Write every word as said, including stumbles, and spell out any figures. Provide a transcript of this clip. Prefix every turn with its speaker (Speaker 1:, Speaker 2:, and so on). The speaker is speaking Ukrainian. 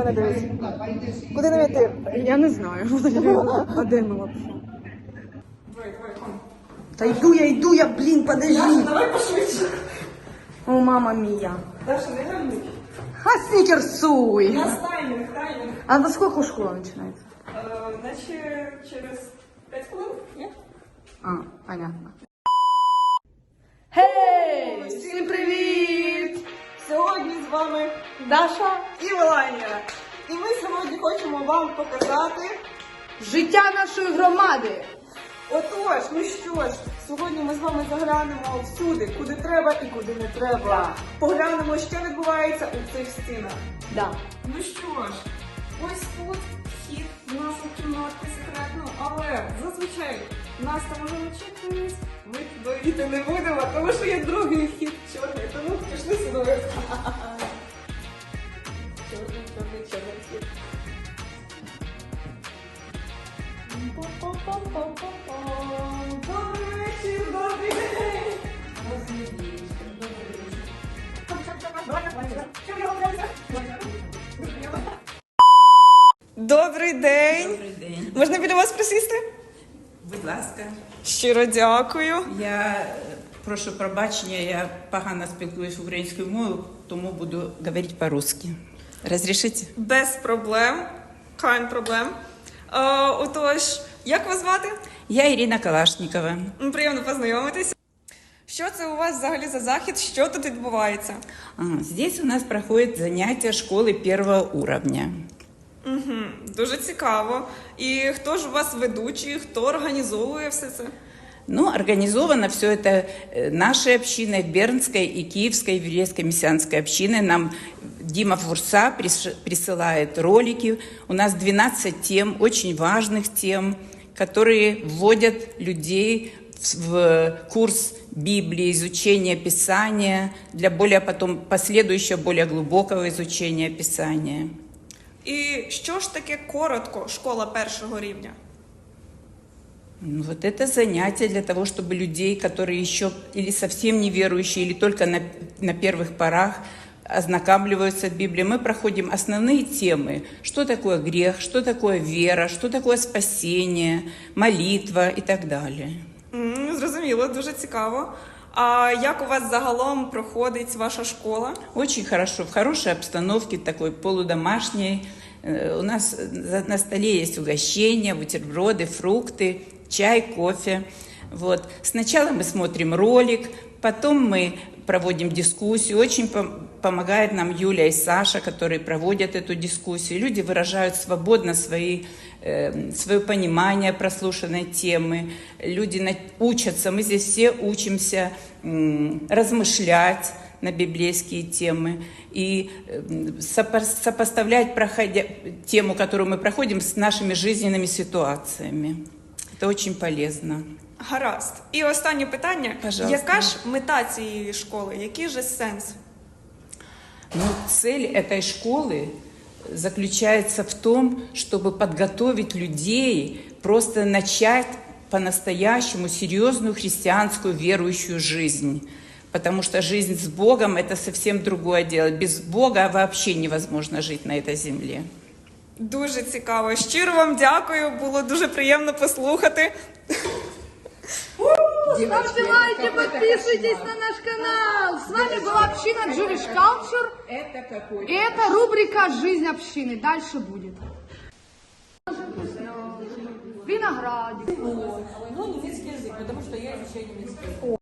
Speaker 1: мене дивиться? Куди нам йти?
Speaker 2: Я не знаю. А де ми вообще?
Speaker 1: Та йду я, йду я, блін, подожди.
Speaker 3: Давай пошвидше.
Speaker 2: О, мама мія.
Speaker 3: Даша, не гамни.
Speaker 2: Ха, снікерсуй.
Speaker 3: У нас таймінг, таймінг.
Speaker 2: А во сколько школа починається?
Speaker 3: Е, Наче через п'ять хвилин, ні?
Speaker 2: А, понятно. Гей! Всім привіт!
Speaker 3: Сьогодні з вами
Speaker 2: Даша,
Speaker 3: і Меланія. І ми сьогодні хочемо вам показати.
Speaker 2: життя нашої громади.
Speaker 3: Отож, ну що ж, сьогодні ми з вами заглянемо всюди, куди треба і куди не треба.
Speaker 2: Да.
Speaker 3: Поглянемо, що відбувається у цих стінах.
Speaker 2: Да.
Speaker 3: Ну що ж, ось тут вхід в нашу кімнатку секретну, але зазвичай нас там уже не чекають. Ми туди йти не будемо, тому що є другий вхід чорний, тому пішли сюди. Чорний, чорний, чорний вхід. Добрий вечір, добрий день! Добрий день!
Speaker 4: Добрий день.
Speaker 3: Можна біля вас присісти?
Speaker 4: Будь ласка.
Speaker 3: Щиро дякую.
Speaker 4: Я е, прошу пробачення, я погано спілкуюсь українською мовою, тому буду говорити по-русски. Розрішите?
Speaker 3: Без проблем. Kein проблем. Е, отож, як вас звати?
Speaker 4: Я Ірина Калашникова.
Speaker 3: М, Приємно познайомитися. Що це у вас взагалі за захід? Що тут відбувається?
Speaker 4: А, здесь у нас проходят занятия школы первого уровня.
Speaker 3: Угу, дуже цікаво. І хто ж у вас ведучий, хто організовує все це?
Speaker 4: Ну, организовано все это э, нашей общиной, Бернской и Киевской еврейской мессианской общиной. Нам Дима Фурса приш- присылает ролики. У нас двенадцать тем, очень важных тем, которые вводят людей в в курс Библии, изучения Писания, для более потом последующего, более глубокого изучения Писания.
Speaker 3: І що ж таке коротко школа першого рівня?
Speaker 4: Ну, вот это занятие для того, чтобы людей, которые еще или совсем неверующие, или только на, на первых порах ознакомливаются с Библией, мы проходим основные темы. Что такое грех, что такое вера, что такое спасение, молитва и так далее.
Speaker 3: М, Зрозуміло, дуже цікаво. А як у вас загалом проходить ваша школа?
Speaker 4: Очень хорошо, в хорошей обстановке, такой полудомашней. Э, У нас за- на столе есть угощения, бутерброды, фрукты, чай, кофе. Вот. Сначала мы смотрим ролик, потом мы проводим дискуссию. Очень пом- помогает нам Юля и Саша, которые проводят эту дискуссию. Люди выражают свободно свои, э, свое понимание прослушанной темы. Люди на- учатся, мы здесь все учимся м, размышлять на библейские темы и э, сопо- сопоставлять проходя, тему, которую мы проходим, с нашими жизненными ситуациями. Это очень полезно.
Speaker 3: Гаразд. І останнє питання.
Speaker 4: Пожалуйста.
Speaker 3: Яка ж мета цієї школи? Який же сенс?
Speaker 4: Но цель этой школы заключается в том, чтобы подготовить людей, просто начать по-настоящему серьезную христианскую верующую жизнь. Потому что жизнь с Богом – это совсем другое дело. Без Бога вообще невозможно жить на этой земле.
Speaker 3: Дуже цікаво. Щиро вам дякую, було дуже приємно послухати.
Speaker 2: Ставьте лайки, подписывайтесь на наш канал. С вами была община Jewish Culture.
Speaker 4: Это какой?
Speaker 2: И это рубрика «Жизнь общины». Дальше будет. Виноградик.
Speaker 5: Ну, немецкий язык, потому что я изучаю немецкий язык.